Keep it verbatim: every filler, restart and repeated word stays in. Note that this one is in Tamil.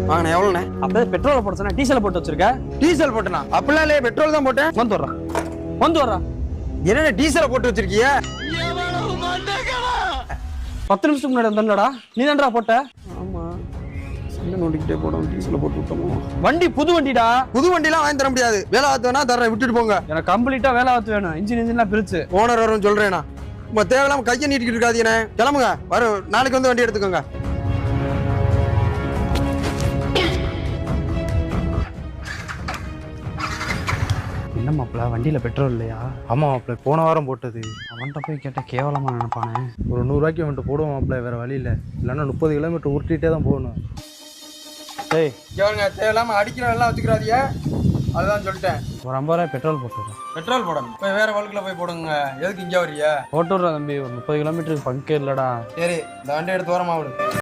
வாங்கண்ணே எவ்வளோண்ணே? அப்போ பெட்ரோலை போட சொன்னா டீசல் போட்டு வச்சிருக்க. டீசல் போட்டேனா? அப்படிலாம் இல்லையே, பெட்ரோல் தான் போட்டேன். வந்து வர்றா வந்து வர்றா என்னென்ன டீசலை போட்டு வச்சிருக்கிய? பத்து நிமிஷத்துக்கு முன்னாடி வந்தா நீ தான்டா போட்ட. ஆமா, சண்டை நோண்டிக்கிட்டே போடும். டீசலை போட்டு விட்டோமோ? வண்டி புது வண்டிடா. புது வண்டிலாம் வாங்கி தர முடியாது. வேலை ஆத்துவேனா தர்றேன், விட்டுட்டு போங்க. எனக்கு கம்ப்ளீட்டா வேலை ஆத்து வேணும். இன்ஜின் இன்ஜின்லாம் பிரிச்சு ஓனர் வரும் சொல்றேனா. உங்க தேவையில்லாம கையை நீட்டிக்கிட்டு இருக்காதீங்கண்ணே. கிளம்புங்க, வர நாளைக்கு வந்து வண்டி எடுத்துக்கோங்க. என்ன மாப்பிள்ள வண்டியில பெட்ரோல் இல்லையா? ஆமா மாப்பிள்ள, போன வாரம் போட்டது. அவன்கிட்ட போய் கேட்டா கேவலமா நினைப்பானே. ஒரு நூறுரூவாய்க்கு வந்துட்டு போடுவோம் மாப்பிள்ள, வேற வழி இல்லை. இல்லைன்னா முப்பது கிலோமீட்டர் உருட்டிகிட்டே தான் போகணும். ஏய் கேளுங்க, தேவையில்லாம அடிக்கிற எல்லாம் வச்சுக்கிறாதீங்க. அதுதான் சொல்லிட்டேன். ஒரு ஐம்பது ரூபாய் பெட்ரோல் போட்டுடுறேன். பெட்ரோல் போடணும். போய் வேற வழுக்குல போய் போடுங்க. எதுக்கு இங்கே வரியா? போட்டுடுறேன் தம்பி. ஒரு முப்பது கிலோமீட்டருக்கு பங்கே இல்லடா. சரி, இந்த வண்டி எடுத்து ஓரமா விடு.